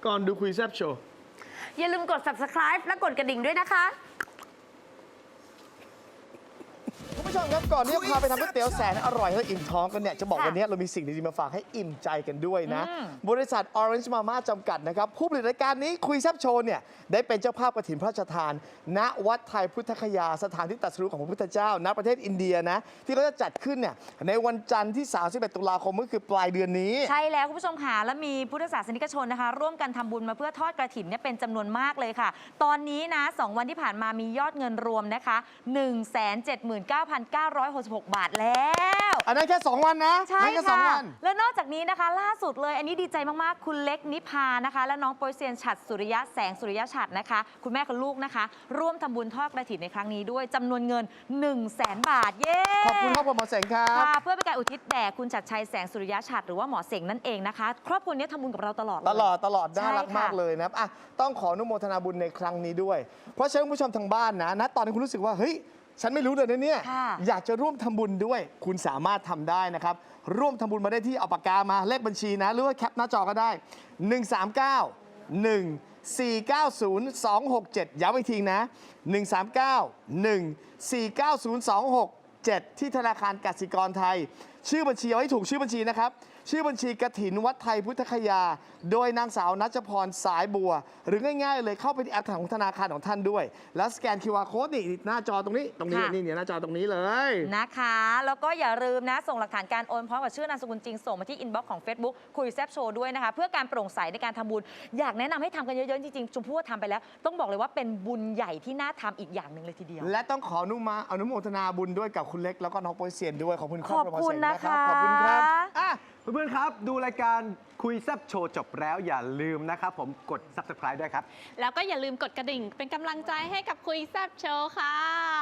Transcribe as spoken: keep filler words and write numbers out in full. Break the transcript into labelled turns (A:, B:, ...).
A: ก่อนดูคุยแซ่บโชว์
B: อย่าลืมกด ซับสไครบ์ และกดกระดิ่งด้วยนะคะ
C: คุณผู้ชมครับก่อนที่จะพาไปทำก๋วยเตี๋ยวแสนอร่อยและอิ่มท้องกันเนี่ยจะบอกวันนี้เรามีสิ่งดีๆมาฝากให้อิ่มใจกันด้วยนะบริษัท Orange Mama จำกัดนะครับผู้ผลิตรายการนี้คุยแซ่บโชว์เนี่ยได้เป็นเจ้าภาพกฐินพระราชทานณวัดไทยพุทธคยาสถานที่ตรัสรู้ของพระพุทธเจ้าณประเทศอินเดียนะที่เขาจะจัดขึ้นเนี่ยในวันจันทร์ที่สามสิบเอ็ดตุลาคมก็คือปลายเดือนนี้
B: ใช่แล้วคุณผู้ชมค่ะและมีพุทธศาสนิกชนนะคะร่วมกันทำบุญมาเพื่อทอดกฐินเนี่ยเป็นจำนวนมากเลยค่ะตอนนี้นะสองวันที่ผ่านมามียอดเงินรวมนะคะ หนึ่งแสนเจ็ดหมื่นเก้าพันเก้าร้อยหกสิบหก บาทแล้ว
C: อันนั้นแค่สองวันนะ
B: ใช่ค่ะ
C: วัน
B: และนอกจากนี้นะคะล่าสุดเลยอันนี้ดีใจมากๆคุณเล็กนิพานะคะและน้องโปรยเซียนฉัตรสุริยะแสงสุริยะฉัตรนะคะคุณแม่กับลูกนะคะร่วมทำบุญทอดกฐินในครั้งนี้ด้วยจำนวนเงิน หนึ่งแสน บาทเย้
C: ขอบคุณครอบครัวหมอเสงครับ
B: เพื่อเป็นการอุทิศแด่คุณฉัตรชัยแสงสุริยะฉัตรหรือว่าหมอเสงนั่นเองนะคะครอบครัวนี้ทำบุญกับเราตลอด
C: ตลอดตลอดน่ารักมากเลยนะครับอ่ะต้องขออนุโมทนาบุญในครั้งนี้ด้วยเพราะฉะนั้นคุณผู้ชมทางบ้านนะนะตอนนี้คุณรู้สึกว่าเฮ้ยฉันไม่รู้เลยนะเนี่ยอยากจะร่วมทำบุญด้วยคุณสามารถทำได้นะครับร่วมทำบุญมาได้ที่เอาปากกามาเลขบัญชีนะหรือว่าแคปหน้าจอก็ได้หนึ่ง สาม เก้า หนึ่ง สี่ เก้า ศูนย์ สอง หก เจ็ดย้ำอีกทีนะหนึ่ง สาม เก้า หนึ่ง สี่ เก้า ศูนย์ สอง หก เจ็ดที่ธนาคารกสิกรไทยชื่อบัญชีเอาให้ถูกชื่อบัญชีนะครับชื่อบัญชีกฐินวัดไทยพุทธคยาโดยนางสาวนัชพรสายบัวหรือง่ายๆเลยเข้าไปที่แอปของธนาคารของท่านด้วยแล้วสแกน คิว อาร์ Code นี่หน้าจอตรงนี้ตรงนี้นี่เนี่ยหน้าจอตรงนี้เลย
B: นะคะแล้วก็อย่าลืมนะส่งหลักฐานการโอนพร้อมกับชื่อนามสกุลจริงส่งมาที่อินบ็อกซ์ของ Facebook คุยแซบโชว์ด้วยนะคะเพื่อการโปร่งใสในการทำบุญอยากแนะนำให้ทำกันเยอะๆจริงๆชมพู่ทำไปแล้วต้องบอกเลยว่าเป็นบุญใหญ่ที่น่าทำอีกอย่างหนึ่งเลยทีเดียว
C: และต้องขออนุมาอนุโมทนาบุญด้วยกับคุณเล็กแล้วก็น้องโปรยเซียนด้วยขอบคุณครอบครัวหมอเสงนะครับขอบคุณครับ
A: อ่ะเพื่อนๆครับดูรายการคุยแซ่บโชว์จบแล้วอย่าลืมนะครับผมกด ซับสไครบ์ ด้วยครับ
D: แล้วก็อย่าลืมกดกระดิ่งเป็นกำลังใจให้กับคุยแซ่บโชว์ค่ะ